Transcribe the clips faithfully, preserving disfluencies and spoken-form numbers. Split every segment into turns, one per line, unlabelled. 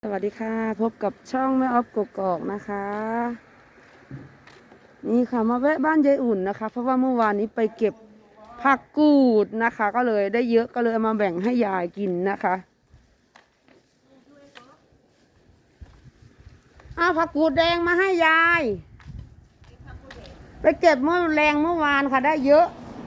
สวัสดีค่ะพบกับช่องแม่ออฟกกอกนะคะ นี่ค่ะมาแวะบ้านยายอุ่นนะคะ เพราะว่าเมื่อวานนี้ไปเก็บผักกูดนะคะ ก็เลยได้เยอะก็เลยเอามาแบ่งให้ยายกินนะคะเอาผักกูดแดงมาให้ยายไปเก็บเมื่อแรงเมื่อวานค่ะได้เยอะ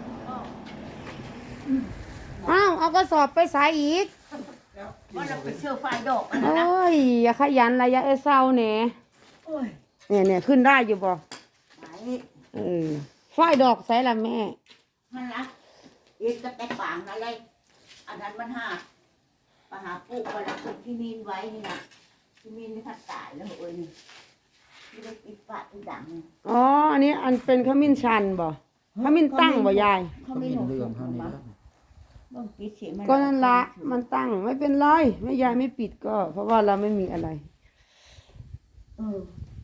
อ้าวเอากระสอบไปใส่อีก
ว่าเราไปเชื่อไฟดอกอัน
โอ
นั้นนะ
้ยอย่าขยันระยะเอเศร้าเนี่ย
โอ้ย
เนี่ยเนี่ยขึ้นได้อยู่บ่
ไหน
เออฝ้ายดอกใส่ละแม่
มันรักเอ็กก็แต่ฝังอะไรอันนั้นมันหาปหาปุ๊กมาแล้วคนที่มีนไว้นี่นะที่มีนนี่พัดตายแล้วเอ้ยนี่ที่ได้ปิดปะที่ดัง
อ๋อ อันนี้อันเป็นขมิ้นชันบ่ขมิ้นตั้งบ่ยาย
เขาไม่หนุนเรื่องเขานี่บ้องปิดเสียงมัน
ก็นั่นละมันตั้งไม่เป็นไรไม่ยายไม่ปิดก็ เพราะว่าเราไม่มีอะไร
เออ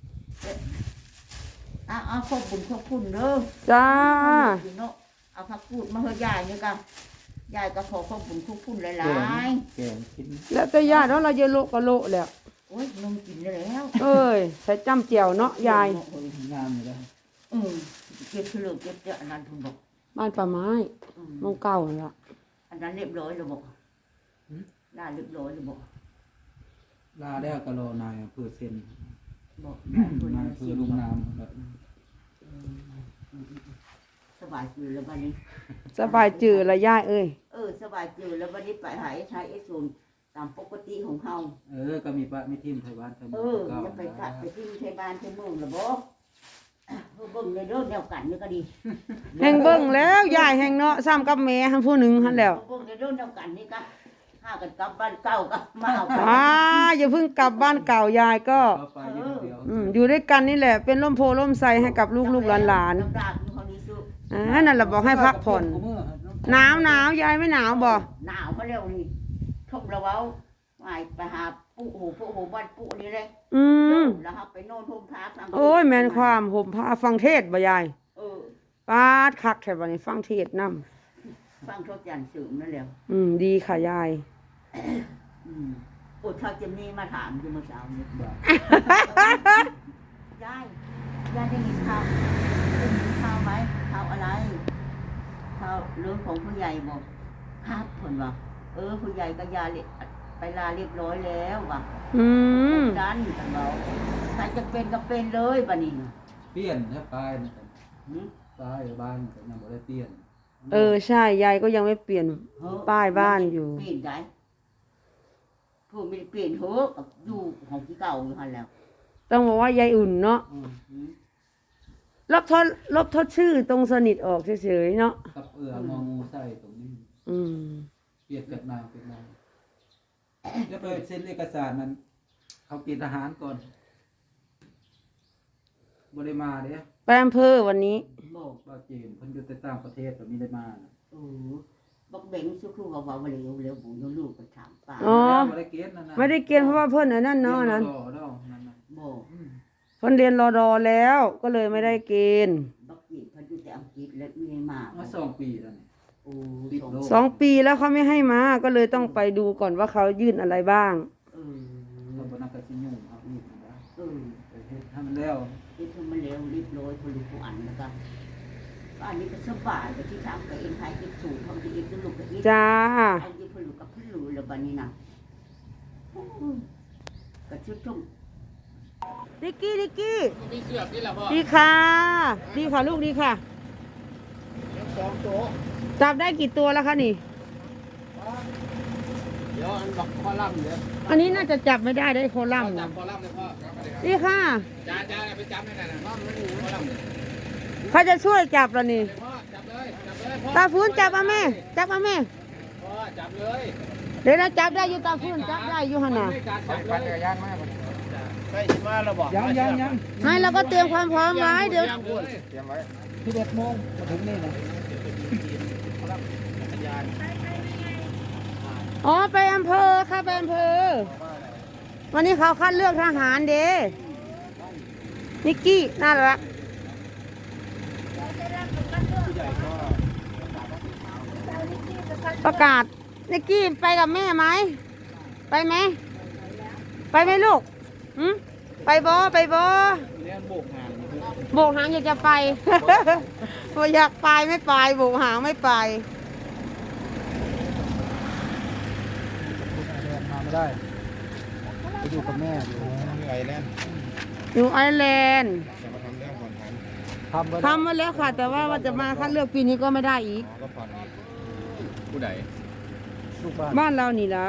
เอาเอาขอบบุญขอบคุณเด้อ
จ้า
เนาะเอาพักพูดมาเฮ้ยยายนี่กันยายก็ขอขอบบุญขอบคุณหลาย
แกงกิน
แล้วแต่ยายเนาะเราจะโละก็โละแล้ว
ๆโอ้ยนมกินได้แล้ว
เอ้ยใส่จ้ำเจียวเนาะยาย
โอ้ยงามอยู่แล้ว
อืมเก็บเฉลิมเก็บเจาอันนั้นทุนบอก
บ้านป่าไม้
อืม
มองเก่านั่นละ
อันนั้นเรียบร้อยเลยบอกน่าเรียบร้อยเลยบอก
ลาแล้วก็รอนายเพื่อเซ็น
บอก
นายเพื่อลุงนามแบบ
สบายจืดแล้ววันนี้
สบายจืดละยายเอ้ย
เออสบายจืดแล้ววันนี้ไปหายใช้ไอ้ส่วนตามปกติของเขา
เออก็มีปะมีทีมไทยบ้านไทย
เอ
เมือง
อ
เก่า
จะไปกัดไปที่เทบานเทเมืองหรือบอกเออเบิ่งในเรื่องแนวกันนี่ก็ดี
แห่งเบิ่งแล้วยายแห่งเนาะซ้ำกับแม่หันผู้หนึ่งหันแล้ว
เบิ่งในเรื่องแนวกันนี่ก็ห้ากันกลับบ้านเก่าก็มาเอาไป
อ่าอย่าเพิ่งกลับบ้านเก่ายายก็
ก็ไปอยู่เดียว
อืมอยู่ด้วยกันนี่แหละเป็นร่มโพล่มไทรให้กับลูกๆหลาน
น้ำดาบอยู่เขานี่ซุ
ๆอ่านั่นแหละบอกให้พักผ่อนหนาวหนาวยายไม่หนาวบ่
หนาวเขาเร็วนี่ทบเราเว้าไปไปหาปู่โหปู่โหบ้านปู่นี่เลย
อืม
แล้วครับไปโน่นทุ่มท้าฟัง
โอ้ยแม่นความห่มผ้าฟังเทศน์บ่ยาย
เออ
ปาดคักแค่บัดนี้ฟังเทศน์นำ
ฟังทศจันทร์สืมนั่นแหละ
อืมดีค่ะยาย
อืมโอ้ถ้าเจมนี่มาถามอยู่เมื่อเช้านี้ยายยายได้ยินข่าวได้ยินข่าวไหมข่าวอะไรข่าวเรื่องของผู้ใหญ่บอกครับผลว่าเออผู้ใหญ่ก็ยาเรียไปลาเรียบร้อยแล้วว่ะ
อืม
ดันกันเราใครจะเป็นก็เป็นเลยบัดนี้
เปลี่ยนถ้าปลายนะ
หืม
ปลายบ้านก็ยังบ่ได้เปลี่ยน
เออใช่ยายก็ยังไม่เปลี่ยน
เฮ้อ
ป้ายบ้านอยู่
เปลี่ยนได้ผู้ไม่ได้เปลี่ยนเถอะอยู่ของที่เก่าอยู่หันแล้ว
ต้องบอกว่ายายอุ่นเนาะ
อืม
หืม
ลบทดลบทดชื่อตรงสนิทออกเฉยๆเนาะ
กับเอือมองูใส่ตรงนี้
อืม
เปลี่ยนกับนางเป็นนางแล้วไปเซ็นเอกสารนั้นเขากินอาหารก่อนบ่ได้มาเด้
ไปอำเภอวันนี้
บอก
บ่าวจีนเพิ่นอยู่แต่ต่างประเทศก็มีได้มานะ
เออบอกเบ่งสุครูเขาบอกว่าเร็วเร็วบุญลูกก็ถามป้า
อ๋อ
บ่ได้เกณฑ์นั่นน่ะ
ไม่ได้เกณฑ์เพราะว่าเพิ่นอันนั้นเนาะอันนั้น
รียรอดอกนั่นน่ะ
บอก
อืม
เพิ่นเรียนรอดอแล้วก็เลยไม่ได้เกณฑ์
บอกจีบเขาอยู่แต่อังกฤษแล้วไม่มา
มาสองปีแล้วนี่
โอ้
ติด
สอง
โรค
สองปีแล้วเขาไม่ให้มาก็เลยต้องไปดูก่อนว่าเขายื่นอะไรบ้าง
เออ
เราบ่นักกะสิยุ่งเอาอีกนะ
เออ
ไปเฮ็ดให้มันแล้ว
ที่ทำมาเร็วรีบร้อยคนลูกผู้อันแล้วกันบ้านนี้ก็สบายแต่ที่ทำกับเองใครติดสูงทำที่เองก็ลูกกับเอง
จ้า
ไอ้ที่พลูกกับพี่ลูแล้วบ้านนี้นะโอ้ยก็ชุดทุ่ม
ดิกกี้ดิกกี้
มีเสื้อนี่ล่ะพ่อ
ดีค่ะ ดีค่ะลูกดีค่ะ
สองตัว
จับได้กี่ตัวแล้วคะนี่
เดี๋ยวอันบักคอลัมน์เด้อ
อันนี้น่าจะจับไม่ได้ได้โคลัมน์
จั
นะ
บคอลัมน์เลยพ่อ
ดีค่ะ
จานจานไปจับให้หน่อยนะพ่อมันอยู่คอลัมน์เลย
ใครจะช่วยจับล่ะนี่
พ่อจับเลยจับเลยพ่อ
ตาฟื้นจับเอาแม่ จับเอาแม่
พ่อจับเลย
เดี๋ยวนะจับได้อยู่ตาฟื้นจับได้อยู่หันน่ะ
การจับเลยจักรยานมากใกล้สิมาแล้วบ่ยังยังยัง
ให้เราก็เตรียมความพร้อมไว้เดี๋ยว
เตรียมไว้สิบเอ็ดโมงมาถึงนี่นะ
อ๋อไปอำเภอค่ะไปอำเภอ วันนี้เขาคัดเลือกทหารเด้นิกกี้น่ารักประกาศนิกกี้ไปกับแม่ไหมไปไหมไปไหมลูกหืมไปบอไปบอ
เนี่ยโบกหาง
โบกหางอยากจะไป พออยากไปไม่ไปโบกหางไม่ไป
มาไม่ได้ไปอยู่กับแม่อยู่
ไอแลนด์
อยู่ไอร์แลนด์
จะมาทำเรื่องผ่อนผัน
ทำไป
ทำมาแล้วค่ะ แต่ว่าว่าจะมาคัดเลือกปีนี้ก็ไม่ได้อีก
ก็ผ่อนอีก
ผู้ใด
ลูกบ้าน
บ้านเรานี่ละ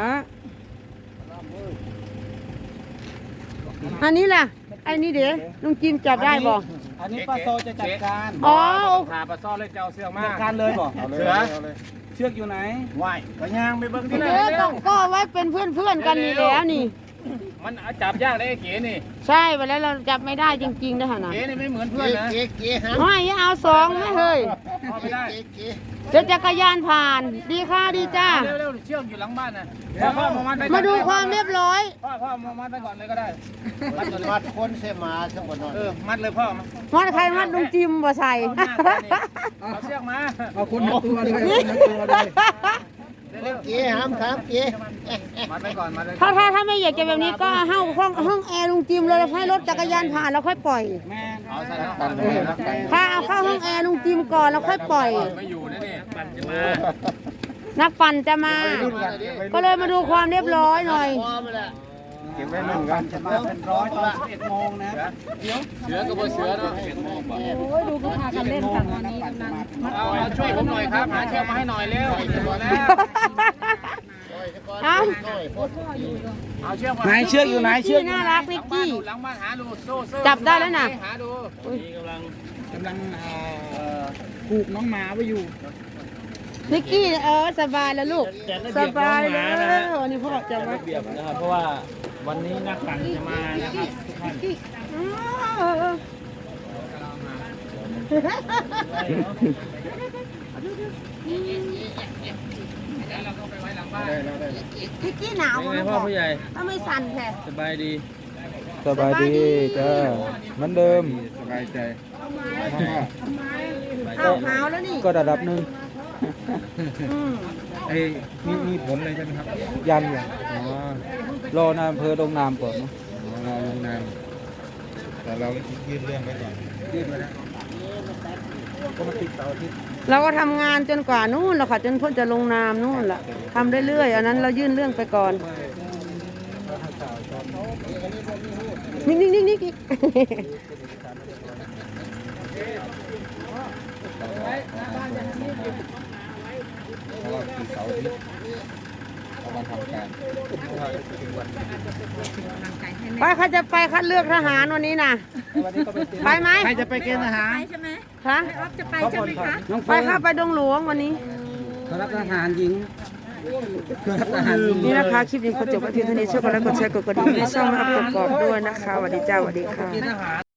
อันนี้ล่ะไอ้นี่เดี๋ยวลุงจิมจับได้บ่
อันนี้ป้าโซจะจัดการ
อ๋อ
พาปลาซ่อนเลยเจ้าเสื้อมา
จัดการเลยบอก
เอาเลย
เสือ
เอาเลย
เชือกอยู่ไหน
ไหวก็ย่างไปเบิ่งที่
เดี๋
ไหน
ยวก็ก็ไว้เป็นเพื่อนเพื่อนๆกันนี่แล้วนี่
มันจับยากได้ไอ้เก๋นี่
ใช่ไปแล้วเราจับไม่ได้จริงๆนะฮะนะ
เก๋นี่ไม่เหมือนเพื่อนนะ
เก๋เก๋ฮะ
ไม่เอาสองไม่เฮ้ย
พอไม่ได้
เก๋เก๋
เดี๋ยวจักรยานผ่าน ดีค่ะดีจ้า
เร็วๆเชือกอยู่หลังบ้านนะพ่อพ่อมามัดไป
มาดูความเรียบร้อย
พ่อพ่อมามัดไปก่อนเลยก็ได้มัดก่อนเลย
มัดคนเสมาทั้งหมดนอน
เออมัดเลยพ่อมา
มัดใครมัดลุงจิมบ่ใส่
เอาหน้าก่อนนี่เอาเชือกมา
เอาคนทั้งตัวเลยคนทั้งตัวเลย
เร็ว
เก๋ห้ามครับเก๋
ๆมัดไปก่อนมัดไปก่
ถ้า
อน
ถ้าถ้าไม่อยากจะแบบนี้ก็ห้องห้องห้องแอร์ลุงจิมเลยให้รถจักรยานผ่านแล้วค่อยปล่อย
แม่
เอาใส่แล้วปั่นไปแล้วปั่น
ถ้าเอาเข้าห้องแอร์ลุงจิมก่อนแล้วค่อยปล่อย
ไม่อยู่นะนี่ปั่นจะมา
นักปั่นจะมา ก็เลยมาดูความเรียบร้อยหน่อย
เก็บไว้หนึ่งกัน
จะมาเป็นร้อยตอนสิบเอ็ดโมงนะ
เสือกับเสือด้วย
ดูก็พากันเล่นกันวันนี้
เอาเอาช่วยผมหน่อยครับหาเชือกมาให้หน่อยเร็วพอแล้ว
เอา
เอาเชือกมา
ไหนเชือกอยู่ไหนเชือก
น่ารักนิกกี้
หลังบ้านหาดูโซ่โซ่
จับได้แล้วน่ะ
หาดูนี่กำลัง
กำลังเอ่อผูกน้องหมาไว้อยู่
นิกกี้เออสบายแล้วลูก สบายแล้ววันนี้พ่อจะมา
เบียบนะครับเพราะว่าวันนี้นักปั่นจะมานะครับทุกท่าน
อ้าวนิกกี้หนาวมั้งพ่อผู้ใหญ่ถ้าไม่สั่นแท้
สบายดี
สบายดีจ้าเหมือนเดิม
สบายใจ
อ้าวหาวแล้วนี่
ก็ระดับหนึ่ง
อืม
ไอ้มีมีผลเลยใช่ไหมครับ
ยังยัง
อ๋อ
รอนายอำเภอลงนามก่อนเนอะ
รอลงนามแต่เรายื่นเรื่องไว้ก่อน
ยื่นไว้แล้วก็มาติดเสาร์อาทิตย์
เราก็ทำงานจนกว่านู่นแหละค่ะจนเพ่นจะลงนามนู่นแหละทำเรื่อยๆอันนั้นเรายื่นเรื่องไปก่อนนิ่งนิ่งนิ่งนิ่ง
เพราะว่าคือเสาร์อาทิตย์เรามาทำการ
ไปใครจะไปคัดเลือกทหารวันนี้น่ะ
วันนี้ก็ไปเตรียม
ไปไหม
ใครจะไปเกณฑ์ทหาร
คะ
จะไปใช่ไหมคะน้อง
ไป
เฟิร์น
ค่ะไปดงหลวงวันนี้
รับทหารหญิงรับทหารหญิง
นี่นะคะคลิปนี้ขอจบไว้เพียงเท่านี้ช่วยกดไลค์กดแชร์กดกระดิ่งให้ช่องรับกดกรอบด้วยนะคะสวัสดีจ้าสวัสดีค่ะ